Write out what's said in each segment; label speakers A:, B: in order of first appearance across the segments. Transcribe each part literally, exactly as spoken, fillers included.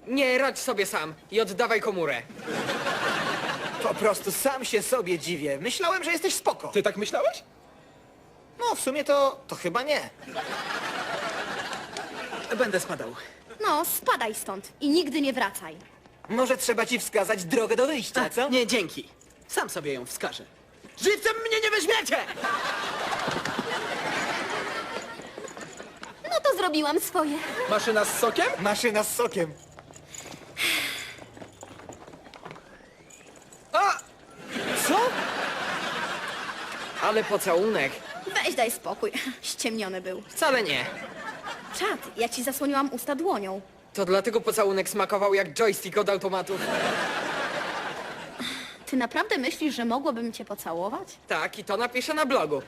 A: Nie, radź sobie sam i oddawaj komórę.
B: Po prostu sam się sobie dziwię. Myślałem, że jesteś spoko.
C: Ty tak myślałeś?
B: No, w sumie to, to chyba nie.
C: Będę spadał.
D: No, spadaj stąd i nigdy nie wracaj.
B: Może trzeba ci wskazać drogę do wyjścia,
C: A,
B: co?
C: nie, dzięki. Sam sobie ją wskażę. Żywcem mnie nie weźmiecie!
D: No to zrobiłam swoje.
C: Maszyna z sokiem?
B: Maszyna z sokiem.
C: A!
B: Co?
A: Ale pocałunek.
D: Weź daj spokój. Ściemniony był.
A: Wcale nie.
D: Czad, ja ci zasłoniłam usta dłonią.
A: To dlatego pocałunek smakował jak joystick od automatów.
D: Ty naprawdę myślisz, że mogłabym cię pocałować?
A: Tak, i to napiszę na blogu.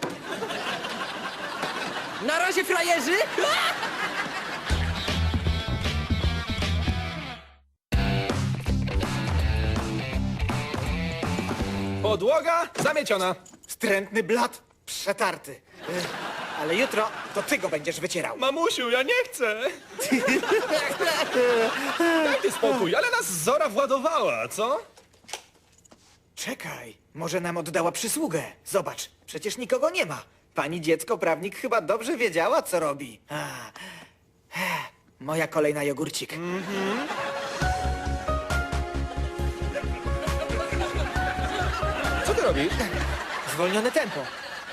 A: Na razie, frajerzy!
C: Podłoga zamieciona.
B: Wstrętny blat przetarty. Ech, Ale jutro to ty go będziesz wycierał.
C: Mamusiu, ja nie chcę. Dajcie spokój, ale nas Zora władowała, co?
B: Czekaj, może nam oddała przysługę. Zobacz, przecież nikogo nie ma. Pani dziecko prawnik chyba dobrze wiedziała, co robi. A, ech, moja kolej na jogurcik.
C: Co ty robisz?
B: Zwolnione tempo.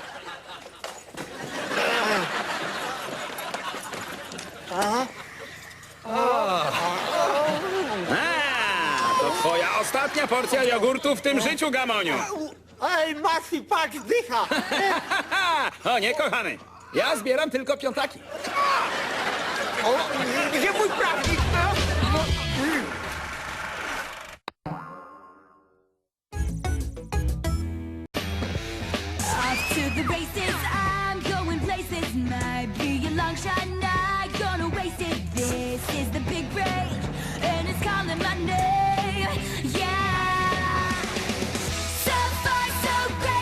E: A, to twoja ostatnia porcja jogurtu w tym życiu, Gamoniu.
B: Ej, Masi, patrz, dycha!
E: O nie, kochany. Ja zbieram tylko piątaki.
B: O, gdzie mój prawnik?
F: Off to the races